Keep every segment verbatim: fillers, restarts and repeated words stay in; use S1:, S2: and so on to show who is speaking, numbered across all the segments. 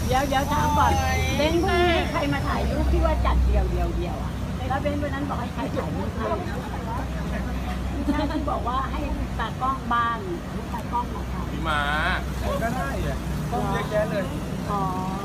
S1: เดี๋ยวเดี๋ยวถามก่อนเบนพรุ่งนี้ใครมาถ่ายรูปที่ว่าจัดเดียวเดียวเดียวอ่ะแล้วเบนวันนั้นบอกให้ใครถ่ายรูปให้ใช่ที่บอกว่าให้ตากล้องบ้านตากล้องมาถ่าย
S2: พี่มาก็ได้อะต้องเยอะแยะเลย
S1: อ๋อ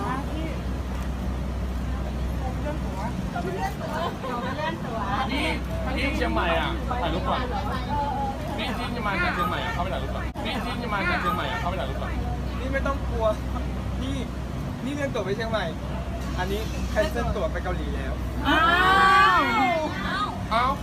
S2: นี่ที่เชียงใหม่อ่ะถ่ายรูปก่อนนี่ที่จะมาจากเชียงใหม่อ่ะเข้าไปถ่ายรูปก่อนนี่ที่จะมาจากเชียงใหม่อ่ะเข้าไปถ่ายรูปก่อนนี่ไม่ต้องกลัวนี่นี่เรื่องตั๋วไปเชียงใหม่ อันนี้แคนเซิลตั๋วไปเกาหลีแล้วอ้าวอ้าว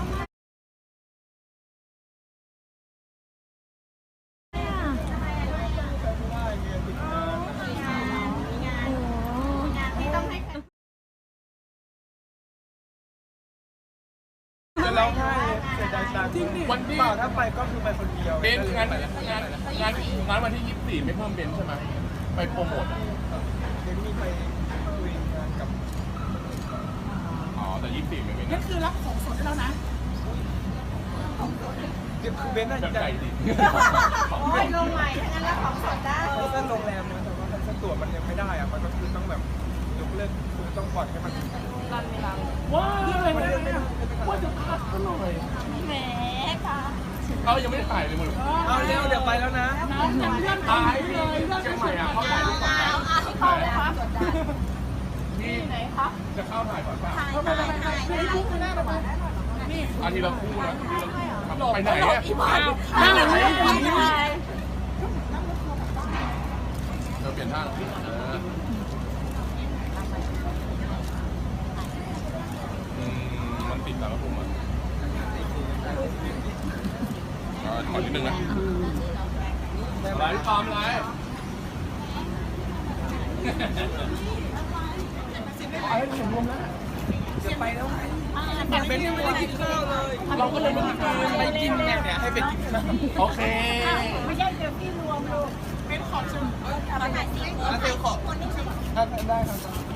S2: จะร้องไห้เสียใจตังค์วันที่เปล่าถ้าไปก็คือไปคนเดียวเบนงานงานงานงานวันที่ยี่สิบสี่ไม่เพิ่มเบนใช่ไหมไปโปรโมทเบนมีไปคุยงานกับอ๋อแต่ยี่สิบสี่ไม่เป็นนั่นคือรับของสดแล้วนะคือเบนน่าจะใจดีโอ้ยลงใหม่ถ้างั้นรับของสดได้เส้นโรงแรมนะแต่ว่าเส้นตั๋วมันยังไม่ได้อะมันก็คือต้องแบบยกเลิกคือต้องปล่อยให้มันรันเวลาว้าวว่าจะพักกันหน่อยแหมค่ะเขายังไม่ได้ถ่ายเลยมึงเอาเร็วเดี๋ยวไปแล้วนะน้องยังเลื่อนถ่ายเลยเรื่องใหม่อ่ะเขาถ่ายรูปก่อนเข้าเลยครับที่ไหนครับจะเข้าถ่ายก่อนป่ะเข้าไปไปไปไม่รู้ไม่ได้หรอกนี่อาทิตย์ละคู่นะไปไหนอ่ะนั่งไหนเราเปลี่ยนท่ามันติดแล้วครับผมอ่ะขอนิดนึงนะอะไรตามอะไรเอาให้ถึงมุมแล้วจะไปแล้วไงเป็นยังไม่ได้กินข้าวเลยเราก็เลยไม่กินไปกินเนี่ยให้ไปกินข้าวโอเค
S1: ไม่ใช่เดี๋ยวพี่รวมลูกเป็นขอบชิมอะไรไหนสิแล้วเซลขอบได้ครับ